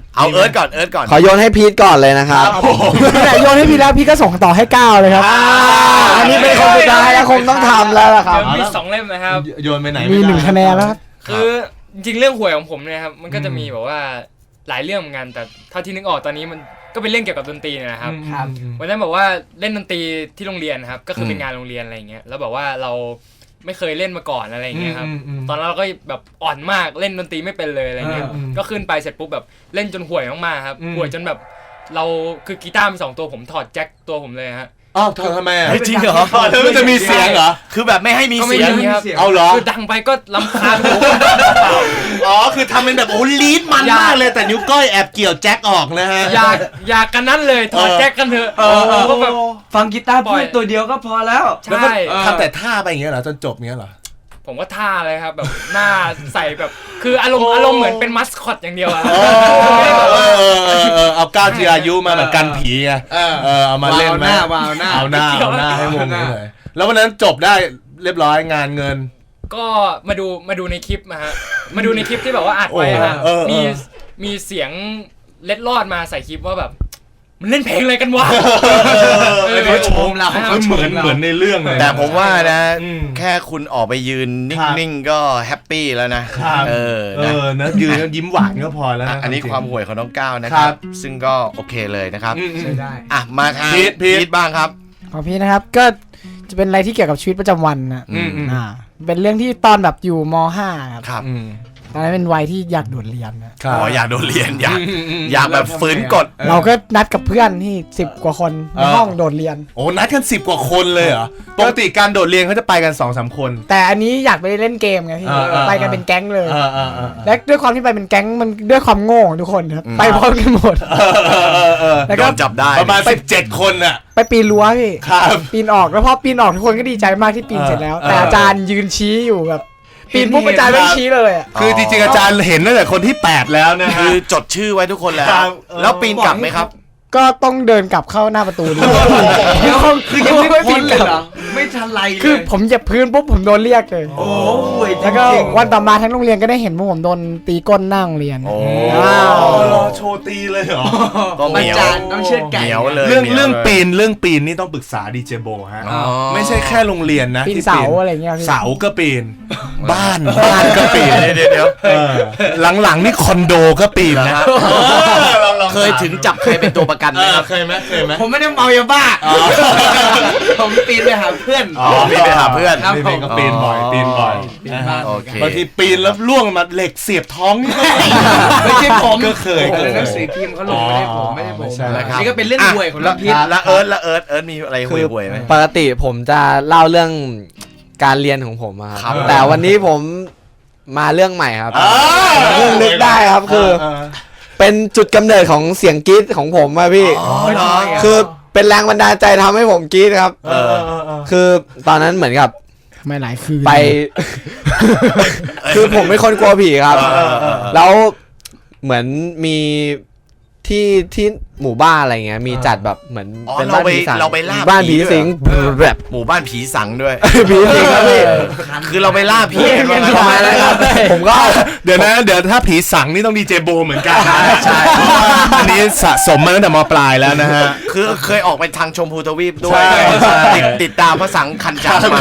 เอาเอิร์ธก่อนขอโยนให้พีทก่อนเลยนะครับโยนให้พี่แล้วพี่ก็ส่งต่อให้ก้าวเลยครับอันนี้เป็นคนสุดท้ายแล้วคงต้องทำแล้วล่ะครับมี2 เล่มนะครับโยนไปไหนมี1 คะแนนแล้วคือจริงๆเรื่องหวยของผมเนี่ยครับมันก็จะมีแบบว่าหลายเรื่องเหมือนกันแต่เท่าที่นึกออกตอนนี้มันก็เป็นเรื่องเกี่ยวกับดนตรีเนี่ยนะครับวันนั้นบอกว่าเล่นดนตรีที่โรงเรียนครับก็คือเป็นงานโรงเรียนอะไรอย่างเงี้ยแล้วแบบว่าเราไม่เคยเล่นมาก่อนอะไรอย่างเงี้ยครับตอนนั้นเราก็แบบอ่อนมากเล่นดนตรีไม่เป็นเลยอะไรเงี้ยก็ขึ้นไปเสร็จปุ๊บแบบเล่นจนห่วยมากๆครับห่วยจนแบบเราคือกีตาร์มี2 ตัวผมถอดแจ็คตัวผมเลยฮะอ้าวทำไมจริงเหรอมันจะมีเสียงเหรอคือแบบไม่ให้มีเสียงเอาเหรอคือดังไปก็รำคาญอ๋อคือทำเป็นแบบโอ้ลีดมันมากเลยแต่นิ้วก้อยแอบเกี่ยวแจ็คออกนะฮะอยากกันนั้นเลยถอดแจ็คกันเถอะก็แบบฟังกีตาร์พูดตัวเดียวก็พอแล้วใช่ทำแต่ท่าไปอย่างเงี้ยเหรอจนจบเงี้ยเหรอผมก็ท่าเลยครับแบบหน้าใส่แบบคืออารมณ์เหมือนเป็นมัสคอตอย่างเดียวอะเอาก้าวจีรายุมาแบบกันผีไงเอามาเล่นไหมเอาหน้าให้วงนี้เลยแล้ววันนั้นจบได้เรียบร้อยงานเงินก็มาดูในคลิปมาฮะมาดูในคลิปที่แบบว่าอัดไว้ฮะมีเสียงเล็ดลอดมาใส่คลิปว่าแบบมันเล่นเพลงอะไรกันวะเขาชมเราเขาเหมือนในเรื่องเลยแต่ผมว่านะแค่คุณออกไปยืนนิ่งๆก็แฮปปี้แล้วนะนะยืนยิ้มหวานก็พอแล้วอันนี้ความห่วยของน้องก้าวนะครับซึ่งก็โอเคเลยนะครับใช่ได้อ่ะมาทางพีทบ้างครับของพี่นะครับก็จะเป็นอะไรที่เกี่ยวกับชีวิตประจำวันนะเป็นเรื่องที่ตอนแบบอยู่ม.5 ครับตอนนั้นเป็นวัยที่อยากโดดเรียนนะอยากโดดเรียนอยากแบบฝืนกฎเราก็นัดกับเพื่อนที่10 กว่าคนในห้องโดดเรียนโอ้นัดกัน10 กว่าคนเลยเหรอปกติการโดดเรียนเขาจะไปกัน 2-3 คนแต่อันนี้อยากไปเล่นเกมไงพี่ไปกันเป็นแก๊งเลยและด้วยความที่ไปเป็นแก๊งมันด้วยความโง่ของทุกคนครับไปพร้อมกันหมดแล้วก็จับได้ประมาณ17 คนน่ะไปปีนรั้วพี่ปีนออกแล้วพอปีนออกทุกคนก็ดีใจมากที่ปีนเสร็จแล้วแต่อาจารย์ยืนชี้อยู่แบบปีนปุ๊บอาจารย์ไม่ชี้เลยอ่ะคือจริงๆอาจารย์เห็นตั้งแต่คนที่8แล้วนะคือจดชื่อไว้ทุกคนแล้วปีนกลับไหมครับก็ต้องเดินกลับเข้าหน้าประตูดูคือยังไม่ปีนกลับไม่ทันไรเลยคือผมเหยียบพื้นปุ๊บผมโดนเรียกเลยโอ้ยแล้วก็วันต่อมาทั้งโรงเรียนก็ได้เห็นว่าผมโดนตีก้นหน้าโรงเรียนโชว์ตีเลยเหรออาจารย์ต้องเชือดไก่เรื่องปีนนี่ต้องปรึกษาดีเจโบฮะไม่ใช่แค่โรงเรียนนะปีนเสาอะไรเงี้ยเสาก็ปีนบ้านก็ปีนเดี๋ยวหลังๆนี่คอนโดก็ปีนนะเคยถึงจับใครเป็นตัวประกันไหมครับเคยไหมผมไม่ได้เมายาบ้าผมปีนไปหาเพื่อนปีนไปหาเพื่อนก็ปีนบ่อยบางทีปีนแล้วล่วงมาเหล็กเสียบท้องนี่ไม่ใช่ผมก็เคยหนังสือพิมพ์เขาลงไม่ได้ผมนี่ก็เป็นเรื่องห่วยของเราพิษแล้วเอิร์ธมีอะไรห่วยไหมปกติผมจะเล่าเรื่องการเรียนของผมครับแต่วันนี้ผมมาเรื่องใหม่ครับเรื่องนึกได้ครับคือเป็นจุดกำเนิดของเสียงกรี๊ดของผมอะพี่คือเป็นแรงบันดาลใจทำให้ผมกรี๊ดครับคือตอนนั้นเหมือนกับไม่หลายคืนไปคือผมเป็นคนกลัวผีครับแล้วเหมือนมีที่หมู่บ้านอะไรเงี้ยมีจัดแบบเหมือนเป็นบ้านผีสังบ้านผีสิงแบบหมู่บ้านผีสังด้วยผีสิงครับพี่คือเราไปล่าผีทำไมนะครับผมก็เดี๋ยวถ้าผีสังนี่ต้องดีเจโบเหมือนกันใช่อันนี้สะสมมาตั้งแต่ม.ปลายแล้วนะฮะคือเคยออกไปทางชมพูทวีปด้วยติดตามพระสังคันจามา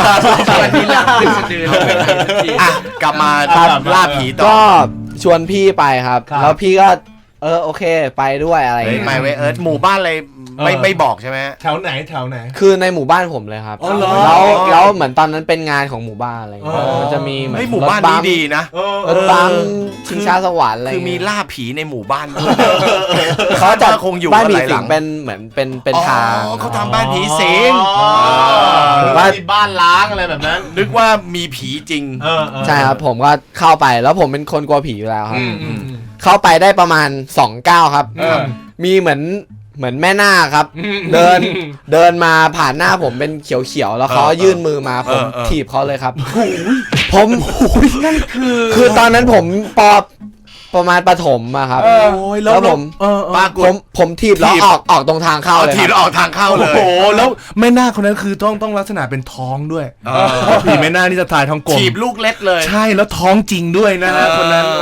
กลับมาล่าผีต่อก็ชวนพี่ไปครับแล้วพี่ก็โอเคไปด้วยอะไรอย่างเงี้ยไม่เว้ยหมู่บ้านอะไรไม่บอกใช่ไหมแถวไหนคือในหมู่บ้านผมเลยครับแล้วเหมือนตอนนั้นเป็นงานของหมู่บ้านอะไรอย่างเงี้ยมันจะมีเหมือนหมู่บ้านนี้ดีนะรถบัมชิงช้าสวรรค์อะไรคือมีล่าผีในหมู่บ้านเขาจะคงอยู่บ้านผีสิงเป็นเหมือนเป็นทางเขาทำบ้านผีสิงว่าบ้านล้างอะไรแบบนั้นนึกว่ามีผีจริงใช่ครับผมก็เข้าไปแล้วผมเป็นคนกลัวผีอยู่แล้วครับเข้าไปได้ประมาณ2 ก้าวครับมีเหมือนแม่นาคครับเดินมาผ่านหน้าผมเป็นเขียวๆแล้วเขายื่นมือมาผมถีบเขาเลยครับผมนั่นคือตอนนั้นผมประมาณประถมอะครับแล้วผมถีบแล้วออกตรงทางเข้าเลยถีบแล้วออกทางเข้าเลยโอ้โหแล้วแม่นาคคนนั้นคือต้องลักษณะเป็นท้องด้วยเพราะผีแม่นาคนี่จะถ่ายท้องกลมถีบลูกเล็กเลยใช่แล้วท้องจริงด้วยนะฮะคนนั้นโอ้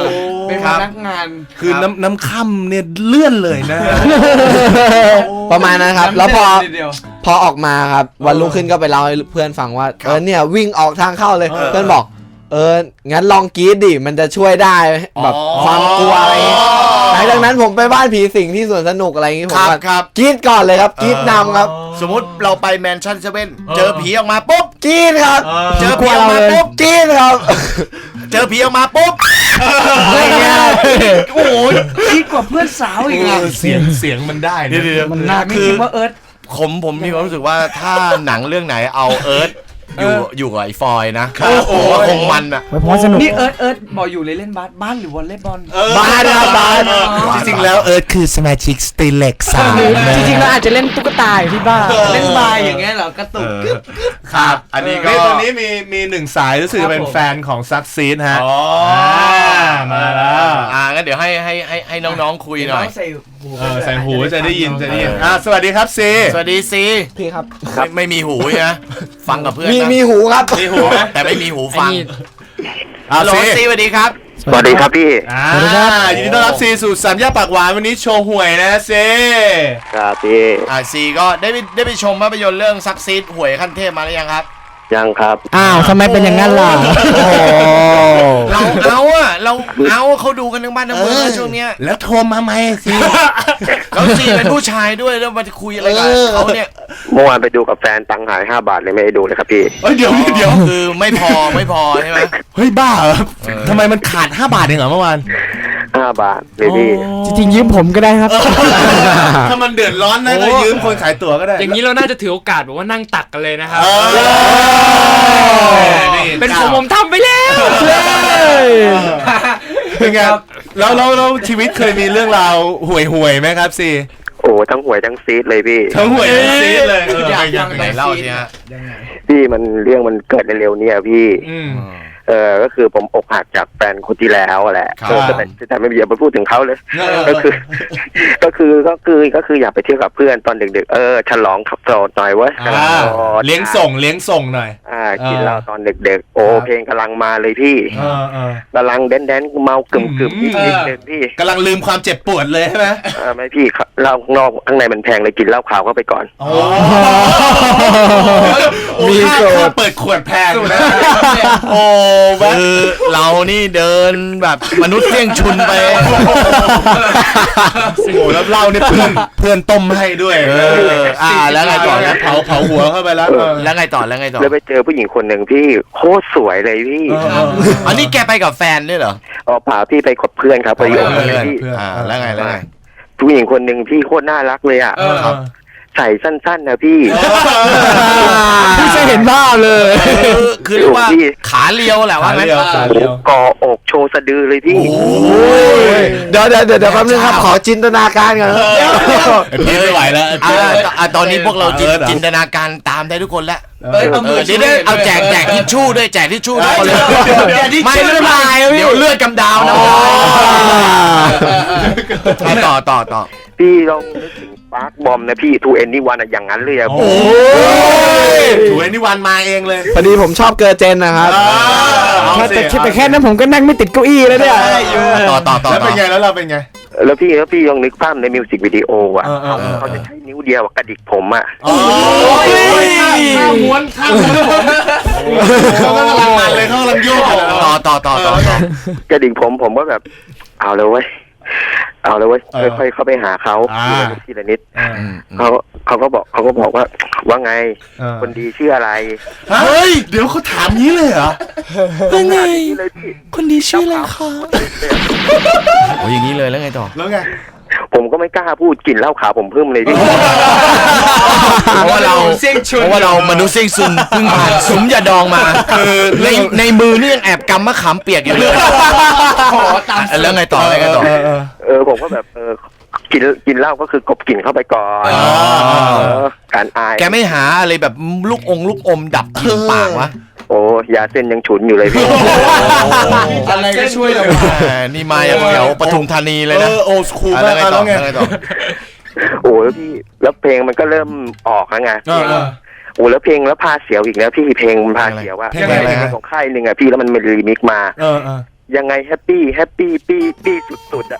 เป็นพนักงานคือน้ำค่ำเนี่ยเลื่อนเลยนะประมาณนั้นครับ แล้วพอทีเดียวพอออกมาครับวันรุ่งขึ้นก็ไปเล่าให้เพื่อนฟังว่าเนี่ยวิ่งออกทางเข้าเลยเพื่อนบอกงั้นลองกรี๊ดดิมันจะช่วยได้แบบความกลัวอะไรอย่างเงี้ยหลังจากนั้นผมไปบ้านผีสิงที่สวนสนุกอะไรอย่างงี้ผมก็ครับกรี๊ดก่อนเลยครับกรี๊ดนำครับสมมติเราไปแมนชั่นเซเว่นเจอผีออกมาปุ๊บกรี๊ดครับเจอผีออกมาปุ๊บกรี๊ดครับเจอผีออกมาปุ๊บอะไรเงี้ยโอ้โหคิดกว่าเพื่อนสาวอีกอ่ะเสียงมันได้นะมันน่าไม่คิดว่าเอิร์ธผมมีความรู้สึกว่าถ้าหนังเรื่องไหนเอาเอิร์ธอยู่กับไอ้ฟอยนะโอ้คงมันอ่ะไว้พอสนุกนี่เอิร์ธบอกอยู่เลยเล่นบ้านหรือวอลเลย์บอลบ้านครับบ้านจริงๆแล้วเอิร์ธคือสมาชิกสตีเล็กสามจริงๆเราอาจจะเล่นตุ๊กตาอยู่ที่บ้านเล่นบายอย่างเงี้ยเหรอกระตุกกึ๊บครับ อันนี้ก็นี่ตอนนี้มีหนึ่งสายรู้สึกจะเป็นแฟนของซักซีดฮะอ๋อมาแล้วงั้นเดี๋ยวให้น้องๆคุยหน่อยใส่หูใส่หูจะได้ยินสวัสดีครับซีสวัสดีซีพี่ครับไม่มีหูนะฟังกับเพื่อนมีนะมีหูครับมีหูไหมแต่ไม่มีหูฟังไอ้นี่ฮัลโหลซีสวัสดีครับสวัสดีครับพี่ยินดีต้อนรับซีสู่สามย่านปากหวานวันนี้โชว์หวยนะซีครับพี่ซีก็ได้ไปชมภาพยนตร์เรื่องซักซีดหวยขั้นเทพมาหรือยังครับยังครับอ้าวทำไมเป็นอย่างนั้นล่ะโอ้โหเราเอาเขาดูกันทั้งบ้านทั้งเมืองนะช่วงเนี้ยแล้วโทรมาไหมซีแล้วซีเป็นผู้ชายด้วยแล้วมาคุยอะไรกันเขาเนี่ยเมื่อวานไปดูกับแฟนตังค์หาย5 บาทเลยไม่ได้ดูเลยครับพี่เดี๋ยวคือไม่พอใช่ไหมเฮ้ยบ้าเหรอทำไมมันขาด5 บาทเองเหรอเมื่อวาน 5 บาทเลยพี่จริงๆยืมผมก็ได้ครับถ้ามันเดือดร้อนนะก็ยืมคนขายตั๋วก็ได้อย่างนี้เราน่าจะถือโอกาสแบบว่านั่งตักกันเลยนะครับ เป็นผมทำไปแล้วเป็นไงแล้วชีวิตเคยมีเรื่องราวห่วยไหมครับซีโอ้ทั้งหวยทั้งซีดเลยพี่ทั้งห่วยทั้งซีดเลยอยากฟังไหนเล่าสิฮะพี่มันเรื่องมันเกิดเร็วๆเนี่ยพี่อืมก็คือผมอกหักจากแฟนคนที่แล้วแหละครับแต่ไม่อย่าไปพูดถึงเขาเลย ก็คืออยากไปเที่ยวกับเพื่อนตอนดึกๆฉลองขับโสดหน่อยเว้ยเลี้ยงส่งหน่อยกินเหล้าตอนดึกๆโอ้เพลงกำลังมาเลยพี่กำลังแดนเมากึ่มนิดนึงพี่กำลังลืมความเจ็บปวดเลยใช่ไหมไม่พี่เหล้าข้างนอกข้างในมันแพงเลยกินเหล้าขาวเข้าไปก่อนมีค่าเปิดขวดแพงนะโอ้คือเรานี่เดินแบบมนุษย์เสี่ยงชุนไปโอ้แล้วเหล้าเนี่ยเพื่อนต้มให้ด้วยแล้วไงต่อเผาหัวเข้าไปแล้วแล้วไงต่อแล้วไปเจอผู้หญิงคนหนึ่งพี่โคตรสวยเลยพี่อันนี้แกไปกับแฟนด้วยเหรอพาพี่ไปกับเพื่อนครับไปอยู่กับเพื่อนพี่แล้วไงผู้หญิงคนหนึ่งพี่โคตรน่ารักเลยอ่ะใส่สั้นๆนะพี่พี่จะเห็นภาพเลยคือเรียกว่าขาเลียวแหละว่างั้นก่ออกโชว์สะดือเลยพี่เดี๋ยวแป๊บนึงครับขอจินตนาการก่อนพี่ไม่ไหวแล้วตอนนี้พวกเราจินตนาการตามได้ทุกคนแล้วเดี๋ยวเอาแจกทิชชู่ด้วยแจกทิชชู่ทุกคนเลยไม่เดี๋ยวเลือดกำดาวนะต่อพี่ลองนึกถึงปาร์คบอมนะพี่ทูเอ็นนี่วันอย่างนั้นเลยอะโอ้ยถูกนิวันมาเองเลยพอดีผมชอบเกอร์เจนนะครับแต่แค่นั้นผมก็นั่งไม่ติดเก้าอี้แล้วเนี่ยต่อแล้วเป็นไงแล้วเราเป็นไงแล้วพี่ลองนึกภาพในมิวสิกวิดีโออ่ะเขาจะใช้นิ้วเดียวกระดิกผมอ่ะข้าวม้วนเขากำลังมันเลยเขากำลังโยกต่อกระดิกผมก็แบบเอาเลยเว้ยค่อยๆเข้าไปหาเขาทีละนิดเขาก็บอกว่าไงคนดีชื่ออะไรเฮ้ยเดี๋ยวเขาถามนี้เลยเหรอว่าไงคนดีชื่ออะไรคะโอ้ยอย่างนี้เลยแล้วไงต่อแล้วไงผมก็ไม่กล้าพูดกลิ่นเหล้าขาวผมเพิ่มเลยพี่เพราะว่าเรามนุษย์เสี่ยงซุนเพิ่งผ่านซุ้มยาดองมาคือในมือนี่ยังแอบกำมะขามเปียกอยู่เลยแล้วไงต่อผมก็แบบกินเหล้าก็คือกบกลิ่นเข้าไปก่อนการอายแกไม่หาอะไรแบบลูกอมดับกลิ่นปากวะโอ้ยาเส้นยังฉุนอยู่เลยพี่อะไรก็ช่วยเรานี่มาจากแถวปทุมธานีเลยนะโอสคูลแล้วไงต่อโอ้แล้วพี่แล้วเพลงมันก็เริ่มออกแล้วไงโอ้แล้วเพลงแล้วพาเสียวอีกแล้วพี่เพลงมันพาเสียวว่าเพลงของค่ายหนึ่งอ่ะพี่แล้วมันรีมิกมายังไงแฮปปี้ปี้สุดๆอ่ะ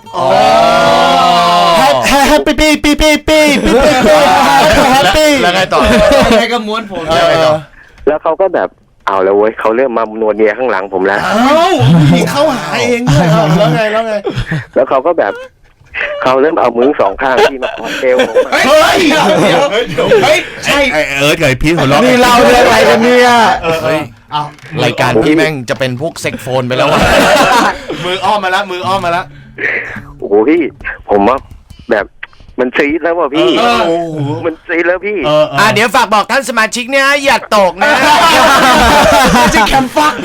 แฮปปี้ปี้แฮปปี้แล้วไงต่อใครก็ม้วนผมแล้วเขาก็แบบเอาแล้วเว้ยเขาเริ่มมานวลเนียข้างหลังผมแล้วเอ้าผู้หญิงเข้าหาเองด้วยแล้วไงแล้วไงแล้วเขาก็แบบเขาเริ่มเอามือสองข้างที่มากอดเอวผมอะเฮ้ยเฮ้ยใช่เอิร์ธกับพีทหัวเราะนี่เราเรื่องอะไรกันเนี่ยเฮ้ยรายการพี่แม่งจะเป็นพวกเซ็กโฟนไปแล้ววะมืออ้อมมาแล้วมืออ้อมมาแล้วโอ้โหพี่ผมว่าแบบมันซีดแล้วว่ะพี่โอ้โหมันซีดแล้วพี่เดี๋ยวฝากบอกท่านสมาชิกเนี่ยอย่าตกนะจะแคมฟัก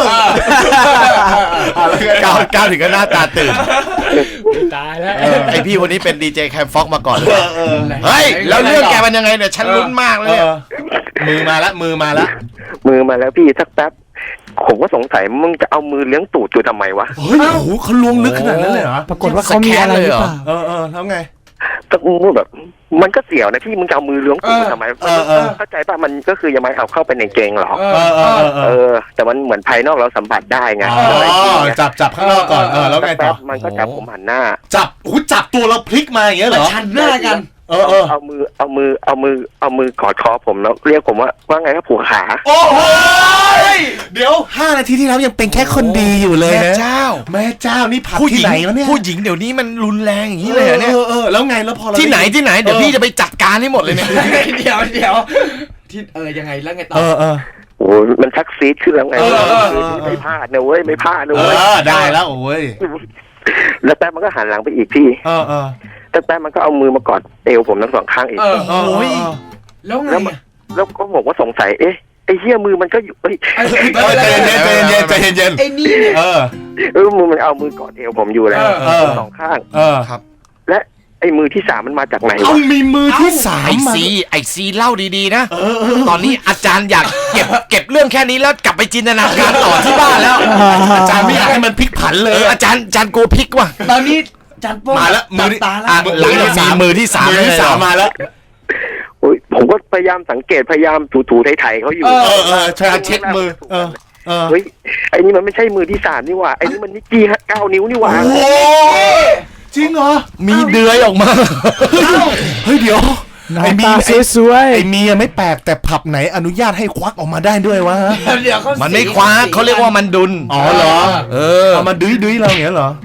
ก้าวถึงก็หน้าตาตื่นตายแล้วไอพี่คนนี้เป็นดีเจแคมฟ็อกมาก่อนเฮ้ยแล้วเรื่องแกมันยังไงเนี่ยฉันลุ้นมากเลยเนี่ยมือมาแล้วมือมาแล้วมือมาแล้วพี่สักแป๊บผมก็สงสัยมึงจะเอามือเลี้ยงตูดอยู่ทำไมวะเฮ้ยโอ้โหเขาล้วงลึกขนาดนั้นเลยเหรอปรากฏว่าเขามีอะไรหรือเปล่าแล้วไงก็มึงแบบมันก็เสียวนะพี่มึงจะเอามือเลี้ยงตูดทำไมเข้าใจป่ะมันก็คือยังไม่เอาเข้าไปในเกงหรอกแต่มันเหมือนภายนอกเราสัมผัสได้ไงจับข้างนอกก่อนแล้วไงต่อมันก็จับผมหันหน้าจับตัวเราพลิกมาอย่างเงี้ยเหรอชันหน้ากันเอามือกอดคอผมแล้วเรียกผมว่าไงครับผัวขาโอ้โหเดี๋ยว5 นาทีที่แล้วยังเป็นแค่คนดีอยู่เลยแม่นะเจ้าแม่เจ้านี่ผับผู้หที่ญิงไหนวะเนี่ยผู้หญิงเดี๋ยวนี้มันรุนแรงอย่างนี้เลยเหรอเนี่ยแล้วไงแล้วพอเราที่ไหนเดี๋ยวพี่จะไปจัดการให้หมดเลยเนี่ยเดี๋ยวที่ยังไงแล้วไงต่อโอ้มันชักซีดขึ้นแล้วไงไม่พลาดนะเว้ยไม่พลาดนะเว้ยได้แล้วโอ้ยแล้วแป๊บมันก็หันหลังไปอีกพี่แต่แป๊บมันก็เอามือมากอดเอวผมทั้งสองข้างอีกแล้วไงแล้วก็บอกว่าสงสัยไอ้เหี้ยมือมันก็อยู่ใจเย็นไอ้นี่เนี่ยมือมันเอามือกอดเอวผมอยู่แล้วสองข้างครับและไอ้มือที่สามมันมาจากไหนเอาวะมีมือที่สามไอซีเล่าดีๆนะตอนนี้อาจารย์อยากเก็บเรื่องแค่นี้แล้วกลับไปจินตนาการต่อที่บ้านแล้วอาจารย์ไม่อยากให้มันพลิกผันเลยอาจารย์โกพลิกว่ะตอนนี้จันโป้มาแล้วมือตาแล้วหลังจากมีมือที่สามมือที่สามมาแล้วผมก็พยายามสังเกตพยายามถูๆไถๆเขาอยู่ใช่เช็ดมือเฮ้ยไอ้นี่มันไม่ใช่มือที่สามนี่หว่าไอ้นี่มันนิกกี้9 นิ้วนี่หว่าโอ้จริงเหรอมีเดือยออกมาเฮ้ยเดี๋ยวหน้าตาสวยไอ้เมียไม่แปลกแต่ผับไหนอนุญาตให้ควักออกมาได้ด้วยวะเดี๋ยวเขามันไม่คว้าเขาเรียกว่ามันดุลอ๋อเหรอเอามาดุยเราอย่างเงี้ยเหรอ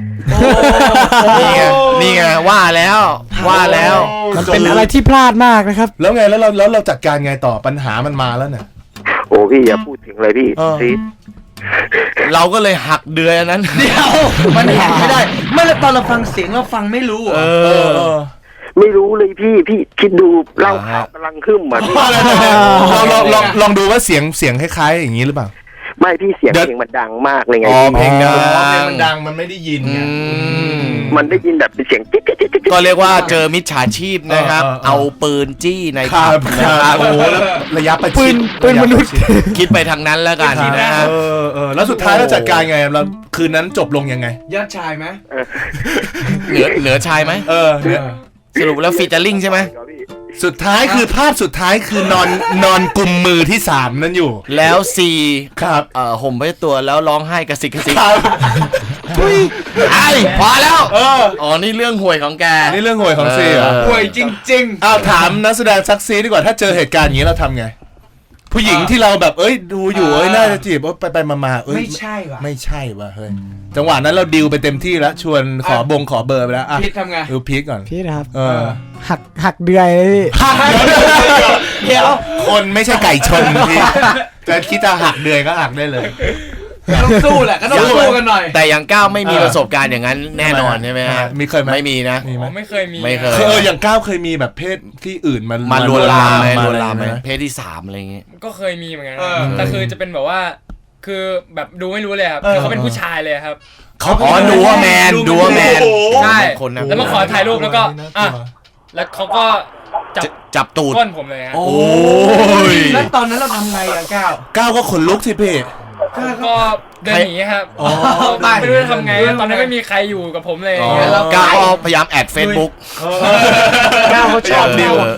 นี่ไงว่าแล้วๆมันเป็นอะไรที่พลาดมากนะครับแล้วไงแล้วเราจัดการไงต่อปัญหามันมาแล้วเนี่ยโอ้พี่อย่าพูดถึงเลยพี่ซีดเราก็เลยหักเดือยอันนั้นเดี๋ยวมันแหกไม่ได้เมื่อตอนเราฟังเสียงเราฟังไม่รู้ไม่รู้เลยพี่คิดดูเล่าข่าวกำลังขึ้นเหมือนลองดูว่าเสียงคล้ายๆอย่างนี้หรือเปล่าไม่พี่เสียงเพลงมันดังมากเลยไงเพลงดังมันดังมันไม่ได้ยินไงมันได้ยินแบบเป็นเสียงจิ๊ดก็เรียกว่าเจอมิจฉาชีพนะครับ เอาปืนจี้ในครัผับบนะครับโอ้โหแล้วระยะประชิดปืนมนุษย์คิดไปทางนั้นแล้วกันนะฮะแล้วสุดท้ายเราจัดการไงเราคืนนั้นจบลงยังไงยอดชายไหมเหนือชายไหมสรุปแล้วฟีเจอริ่งใช่ไหมสุดท้ายคือภาพสุดท้ายคือนอนกุมมือที่3นั่นอยู่แล้วซีครับห่มไว้ตัวแล้วร้องไห้กระซิกครับไอ้พอแล้วอ๋อนี่เรื่องห่วยของแกนี่เรื่องห่วยของซีเหรอป่วยจริงอ้าวถามนักแสดงซักซีดีกว่าถ้าเจอเหตุการณ์อย่างนี้เราทำไง ผู้หญิงที่เราแบบดูอยู่น่าจะจีบไปมาๆไม่ใช่ว่ะไม่ใช่ว่ะเฮ้ยจังหวะนั้นเราดิวไปเต็มที่แล้วชวนขอเบอร์ไปแล้วอ่ะพีททำไงดูพีทก่อนพี่นะครับหักเดือยเลยพี่เดี๋ยวคนไม่ใช่ไก่ชนพี่จะคิดจะหักเดือยก็หักได้เลยต้องสู้แหละก็ต้องสู้กันหน่อยแต่อย่างก้าวไม่มีประสบการณ์อย่างนั้นแน่นอนใช่ไหมฮะมีเคยไหมไม่มีนะมีไหมไม่เคยมีไม่เคยอย่างก้าวเคยมีแบบเพศที่อื่นมาลวนลามไหมมาลวนลามไหมอะไรเพศที่3อะไรอย่างงี้ก็เคยมีเหมือนกันนะแต่คือจะเป็นแบบว่า คือแบบดูไม่รู้เลยครับคือเขาเป็นผู้ชายเลยครับอ๋อดูว่าแมนใช่คนนะแล้วมาขอถ่ายรูปแล้วก็แล้วเขาก็จับตูดก้นผมเลยฮะโอ้ยแล้วตอนนั้นเราทำไงอ่ะก้าวก้าวก็ขนลุกสิพี่ก็เดินหนีครับไม่รู้จะทำไงตอนนั้นไม่มีใครอยู่กับผมเลยก้าวก็พยายามแอดเฟซบุ๊กก้าวเขาชอบดิว